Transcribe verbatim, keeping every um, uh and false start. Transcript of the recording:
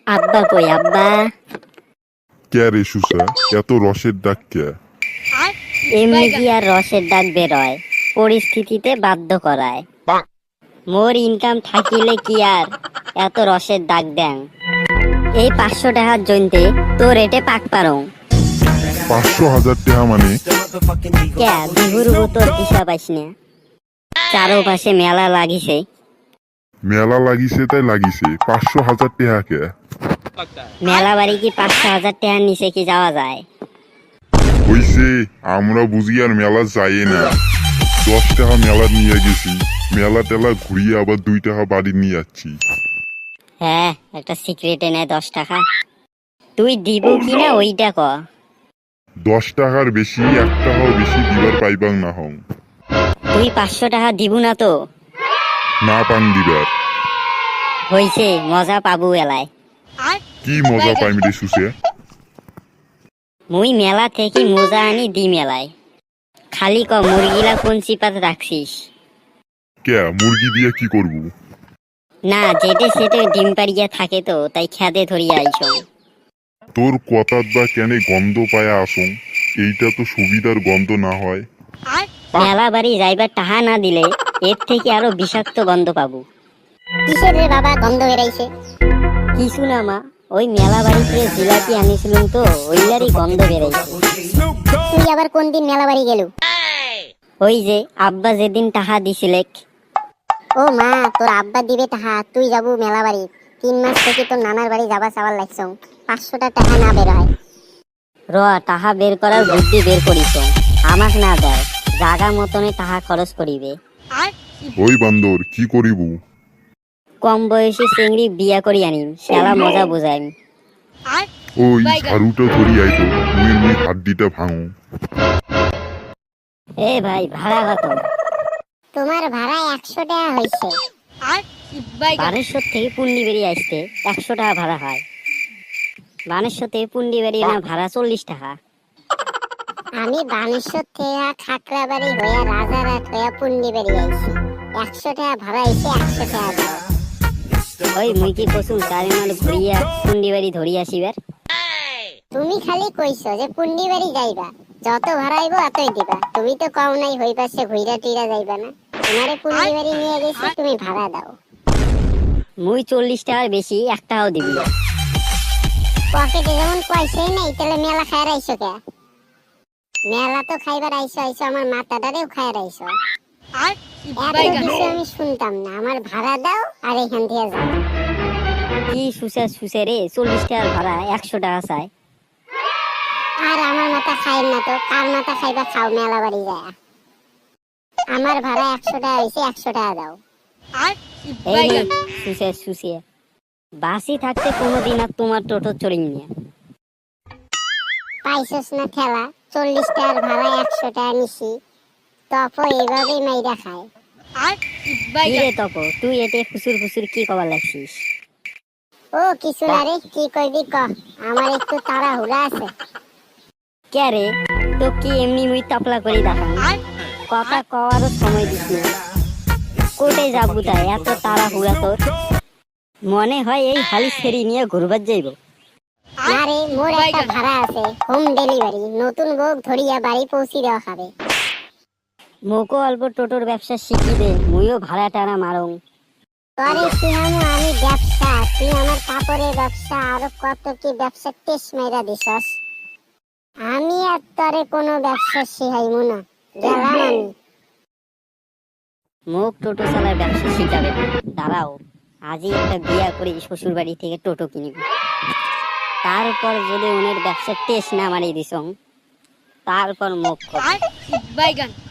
আব্বা কই আব্বা? কে রে সুসা, এত রসের ডাক কে? এমনি কি আর রসের ডাক বেরোয়, পরিস্থিতিতে বাধ্য করায়। মোর ইনকাম থাকিলে কি আর এত রসের ডাক দেন? এই পাঁচশো টাকার জন্যে তো রেটে পাক পারো। পাঁচশো হাজার টাকা মানে? কে বিহুর তোর দিশা পাইস না? চারোপাশে মেলা লাগিছে। মেলা লাগিছে তাই লাগিছে, পাঁচশো হাজার টাকা কে? মেলা বাড়ি কি পাঁচশো হাজার টাকার নিচে কি যাওয়া যায়? হইছে, আমরা বুঝি আর মেলা যাই না। দশ টাকা মেলা নিয়ে গেছি, মেলা টেলা ঘুরিয়ে আবার দুই টাকা বাড়ি নিয়ে যাচ্ছি। হ্যাঁ, একটা সিক্রেট এনে দশ টাকা তুই দিব কিনা ওইটা ক। দশ টাকার বেশি এক টাকাও বেশি দিবার পাইবাং না হং। তুই পাঁচশো টাকা দিব না তো? না পাং দিবার। হইছে, মজা পাবো এলায়। কি মজা পাইম রে সুসে? মুই মেলা থেকে মজা আনি দি মেলায়। খালি ক মুরগিলা কোন চিপাতে রাখছিস? কে মুরগি দিয়ে কি করব? না, যেটে সেটে ডিম পাড়িয়া থাকে তো তাই খেতে ধরিয়া আইস। তোর কথাত বা কেনে গন্ধ পায়া আসং, এইটা তো সুবিধার গন্ধ না হয়। মেলা বাড়ি যাইবার টাহা না দিলে এর থেকে আরো বিষাক্ত গন্ধ পাবো। কিসের রে বাবা গন্ধ বেরাইছে? কিছু না মা, ওই মেলা বাড়িতে জিলাপি আনিছিলুম তো ওইলারই গন্ধ বেরাইছে। তুই আবার কোন দিন মেলা বাড়ি গেলু? ওই যে আব্বা যেদিন টাহা দিছিলে। ও মা, তোর আব্বা দিবে টাকা, তুই যাবো মেলা বাড়ি? তিন মাস থেকে তোর নানার বাড়ি যাবা চাওয়ার লাগছ, পাঁচশোটা টাকা না বের হয়। র টাহা বের করার বুদ্ধি বের করিস, আমাক না দেয়, জাগা মতনে টাহা খরচ করিবে। ওই বান্দর কি করিব? কম বয়সী চিংড়ি বিয়া করি আনিম, শালা মজা বুঝাইম। ওই ঝাড়ুটা ধরি আইতো, মুই মুই হাড্ডিটা ভাঙো। এ ভাই, ভাড়া কত? তোমার ভাড়া একশো টাকা হয়েছে। বানেশ্বর থেকে পুন্ডি বেরিয়ে আসতে একশো টাকা ভাড়া হয়। বানেশ্বর থেকে পুন্ডি বেরিয়ে না ভাড়া চল্লিশ টাকা। আমি বানেশ্বর থেকে খাকড়া বাড়ি হইয়া রাজারহাট হইয়া পুন্ডি বেরিয়ে আইছি, একশো টাকা ভাড়া হয়েছে, একশো টাকা দাও। ওই মুই কি কসুম চারি মাল ঘুরিয়া পুন্ডি বাড়ি ধরি আসিবার? তুমি খালি কইছো যে পুন্ডি বাড়ি যাইবা, যত ভাড়া হইব এতই দিবা। তুমি তো কও নাই হই পাশে ঘুইরা টুইরা যাইবা না। তোমারে পুন্ডি বাড়ি নিয়ে গেছি, তুমি ভাড়া দাও। মুই চল্লিশ টাকার বেশি এক টাকাও দিবি না। পকেটে যেমন পয়সাই নেই, তাহলে মেলা খাইয়ার আইসো কে? মেলা তো খাইবার আইসো আইসো আমার মাথাটারেও খাইয়ার আইসো। এত কিছু আমি শুনতাম না, আমার ভাড়া দাও আর এখান থেকে যাও। কি সুসে সুসে রে, চল্লিশ টাকার ভাড়া একশো টাকা চাই। আর আমার মাথা খাইন না তো, কার মাথা খাইবা খাও মেলা বাড়ি যায়। আমার ভাড়া একশো টাকা হয়েছে, একশো টাকা দাও। এই নে, সুসে সুসে বাসি থাকতে কোনোদিন আর তোমার টোটো চড়িং না। পাইছস না ঠেলা, চল্লিশ টাকার ভাড়া একশো টাকা নিছি, তপ এইভাবেই মাইরা খায়। কি রে তপ, তুই এতে ফুসুর ফুসুর কি কবার লাগছিস? ও কিছু না রে, কি কইবি ক, আমার একটু তাড়াহুড়া আছে। কে রে, তো কি এমনি মুই তাপলা করে দেখাম? কথা কওয়ারও সময় দিস না। কোটে যাবো তাই এত তাড়াহুড়া তোর? মনে হয় এই হালি ফেরি নিয়ে ঘুরবার যাইব। না রে, মোর একটা ভাড়া আছে, হোম ডেলিভারি, নতুন বউ ধরিয়া বাড়ি পৌঁছি দেওয়া খাবে। মোকো অল্প টোটোর ব্যবসা শিখি দে, মুইও ভাড়া টানা মারং। তরে শিহামু আমি ব্যবসা, তুই আমার কাপড়ের ব্যবসা, আরো কত কি ব্যবসা টেস মেরা দিছস। আমি আর তরে কোনো ব্যবসা শিখাইমু না, গেলাম আমি। মোক টোটো চালার ব্যবসা শিখাবে? দাঁড়াও, আজই একটা বিয়া করে শ্বশুর বাড়ি থেকে টোটো কিনিব। তারপর যদি ওনের ব্যবসা টেস্ট না মারিয়ে দিস, তারপর মুখ